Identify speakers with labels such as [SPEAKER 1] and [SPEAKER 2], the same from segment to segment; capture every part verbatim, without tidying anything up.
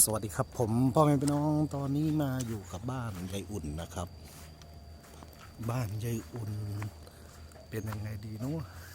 [SPEAKER 1] สวัสดีครับผมพ่อแม่พี่น้องตอนนี้มาอยู่กับบ้านยายอุ่นนะครับ บ้านยายอุ่นเป็นยังไงดีเนาะ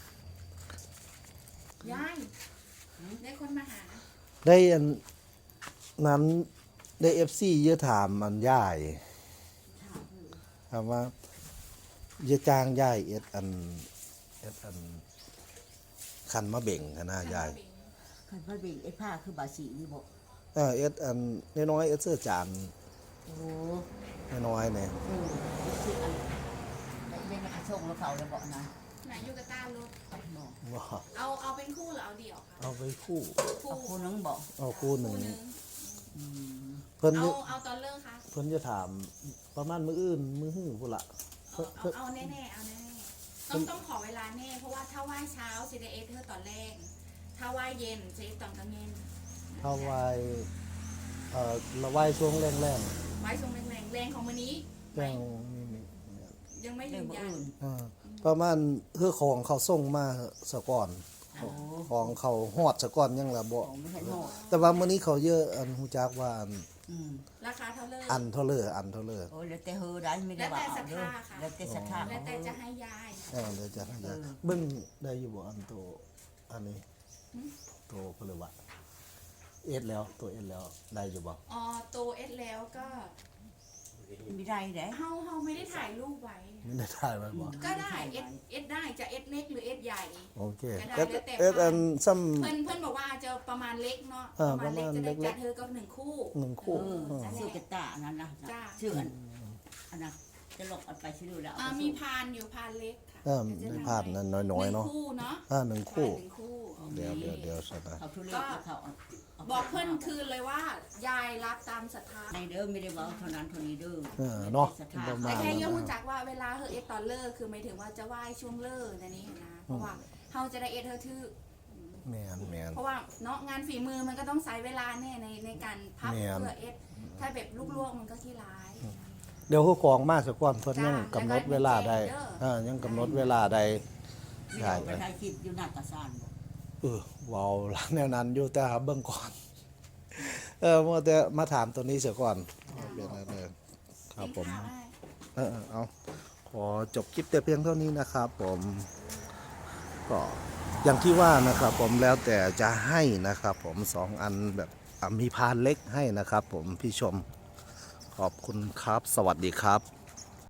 [SPEAKER 2] ยายได้คนมาหา
[SPEAKER 1] ได้อันนั้นได้เอฟซีเยอะถามอันย่ายถามว่าเยอะจ้างย่ายเอ็ดอันเอ็ดอันคันมะเบ่งกันนะย่าย
[SPEAKER 3] คันพระเบงไอ้ผ้าคือบาสีนี่บอก
[SPEAKER 1] เออเอ็ดอันน้อยๆเอ็ดเสื้อจาน
[SPEAKER 3] โอ้
[SPEAKER 1] น้อยๆเนี่ย
[SPEAKER 3] เออคืออันได้ได้มาส่งแล้วเขาเลยบอกนะ
[SPEAKER 2] ไหนยูกาตาลูก
[SPEAKER 3] บอก
[SPEAKER 1] ว่า
[SPEAKER 2] เอาเอาเป็นคู่หรือเอาเดี่ยวคะ
[SPEAKER 1] เอาไปคู่
[SPEAKER 2] คู่
[SPEAKER 3] เอาคนนึงบอก
[SPEAKER 1] เอาคู่หนึ่ง
[SPEAKER 2] คู่หนึ่ง
[SPEAKER 3] อืม
[SPEAKER 1] เพิ่น
[SPEAKER 2] เอา
[SPEAKER 1] จะ
[SPEAKER 2] เอาตอนเลิกคะ
[SPEAKER 1] เพิ่นจะถามประมาณมื้ออื่นมื้อหื้อพุ่นละ
[SPEAKER 2] เอาเอาเอาแน่ๆเอาแน่ๆต้องต้องขอเวลาแน่เพราะว่าถ้าว่ายเช้าซีเดเอเธอตอนแรกถ้าว่ายเย็นซีตอนกลางเย็น
[SPEAKER 1] ถ้าไหวเอ่อละไหวช่วงแรงแรง
[SPEAKER 2] ว่ายทรงแรงๆแรงของวันนี้
[SPEAKER 1] แรงนี่นี่
[SPEAKER 2] ยังไม่
[SPEAKER 3] เรื่
[SPEAKER 2] ยื
[SPEAKER 3] อง
[SPEAKER 2] น
[SPEAKER 3] บ่
[SPEAKER 2] ยัน
[SPEAKER 3] อื่น
[SPEAKER 1] อ่าประมาณเพื่อของเขาส่งมาสะก่อน
[SPEAKER 3] โอ้
[SPEAKER 1] ของเขาฮอดสะก่อนยังละบ่
[SPEAKER 3] ของไม่ใช่หมด
[SPEAKER 1] แต่ว่ามื้อนี้เขาเยอะอันฮู้จักว่าอัน
[SPEAKER 3] อืม
[SPEAKER 2] ราคาเท่าเลิก
[SPEAKER 1] อันเท่าเลออันเท่าเลอ
[SPEAKER 3] โอ้แล้วแต่เฮอได้ไม่ได้ว่าเอาเด้อแล้วแต่ศรัทธา
[SPEAKER 2] แล้วแต่จะให้ยาย
[SPEAKER 1] เออเดี๋ยวจะให้ยาเบิ่งได้อยู่บ่อันโตอันนี้โตเพิ่นเลยว่าเอ็ดแล้วตัวเอ็ดแล้วได้อยู่บ่
[SPEAKER 2] อ๋อโตเอสแล้วก็
[SPEAKER 3] ไม่ได้เด้
[SPEAKER 2] เฮาเฮาไม่ได้ถ่ายรูปไว้
[SPEAKER 1] ไม่ได้ถ่ายไว้บ่
[SPEAKER 2] ก็ได้เอสเอสได้จะเอสเล็กหรือเอสใหญ่
[SPEAKER 1] โอเค
[SPEAKER 2] ก็
[SPEAKER 1] เอ็ด
[SPEAKER 2] ได้แล้วแต่
[SPEAKER 1] เอ็ดอันซ้ำ
[SPEAKER 2] เพื่อนเพื่อนบอกว่าจะประมาณเล็กเนาะ
[SPEAKER 1] เออ
[SPEAKER 2] ประมาณเล็ก
[SPEAKER 1] ประมาณ
[SPEAKER 2] จะได้
[SPEAKER 1] เล็กๆ
[SPEAKER 2] จัดเธอก็หนึ่งคู่
[SPEAKER 1] หนึ่ง
[SPEAKER 3] เอ
[SPEAKER 1] คู่
[SPEAKER 3] อ
[SPEAKER 1] เออ
[SPEAKER 3] ชื่อกระตาอันนั้นนะ
[SPEAKER 2] จ้า
[SPEAKER 3] ชื่ออันอันนั้นจะหลอกเอาไปชื่อแล้ว
[SPEAKER 2] อ่ามีพานอยู่พานเล็กค่ะ
[SPEAKER 1] เออไม่พลาดนั้นน้อยๆ
[SPEAKER 2] หนึ่
[SPEAKER 1] เนาะ
[SPEAKER 2] งคู่เนาะ
[SPEAKER 1] อ่าหนึ่งคู่
[SPEAKER 2] ใช่หนึ่งคู่
[SPEAKER 1] เดี๋ยวเดี๋ยวเดี๋ยวสนะ
[SPEAKER 3] เขาทุเรศแล้วเขาเอาา
[SPEAKER 2] บอกเพื่อนคืนเลยว่ายายรับตามศรัทธา
[SPEAKER 3] ในเด้อไม่ได้บอกเท่านั้นเท่านี้เด้อ
[SPEAKER 1] เออเนาะ
[SPEAKER 3] ศรัทธา
[SPEAKER 1] ประมา
[SPEAKER 2] แต่
[SPEAKER 1] ณ
[SPEAKER 2] แค่
[SPEAKER 1] นั้น
[SPEAKER 2] ยังรู้
[SPEAKER 1] นะ
[SPEAKER 2] จักว่าเวลาเฮอเอสตอนเลิกคือหมายถึงว่าจะไหว้ช่วงเลิกนะนี่นะเพราะว่าเฮาจะได้เอสเธอทื่อ
[SPEAKER 1] แมนแมน
[SPEAKER 2] เพราะว่าเนาะงานฝีมือมันก็ต้องใช้เวลาแน่ในในการพับ
[SPEAKER 1] แม่น
[SPEAKER 2] เพื่อเอสถ้าแบบลวกๆมันก็ขี้ร้าย
[SPEAKER 1] เดี๋ยวผู้กองมาสักก่อนเพิ่น
[SPEAKER 2] จ้า
[SPEAKER 1] ยังกำหนดเวลาใด
[SPEAKER 2] แล้วก็
[SPEAKER 1] อ่ายังกำหนดเวลาใด
[SPEAKER 3] ไม่ได้เอาไปถ่ายคลิปอยู่หน้ากระซานบอก
[SPEAKER 1] เออเว้าละแนวนั้นอยู่แต่หาเบิ่งก่อน เออว่าแต่มาถามตัวนี้เสียก่อนเป็นอะไรเลยครับผม
[SPEAKER 2] กินข้าวได้
[SPEAKER 1] เออเอาขอจบคลิปแต่เพียงเท่านี้นะครับผมก็อย่างที่ว่านะครับผมแล้วแต่จะให้นะครับผมสองอันแบบอ่ะมีพานเล็กให้นะครับผมพี่ชมขอบคุณครับ สวัสดีครับ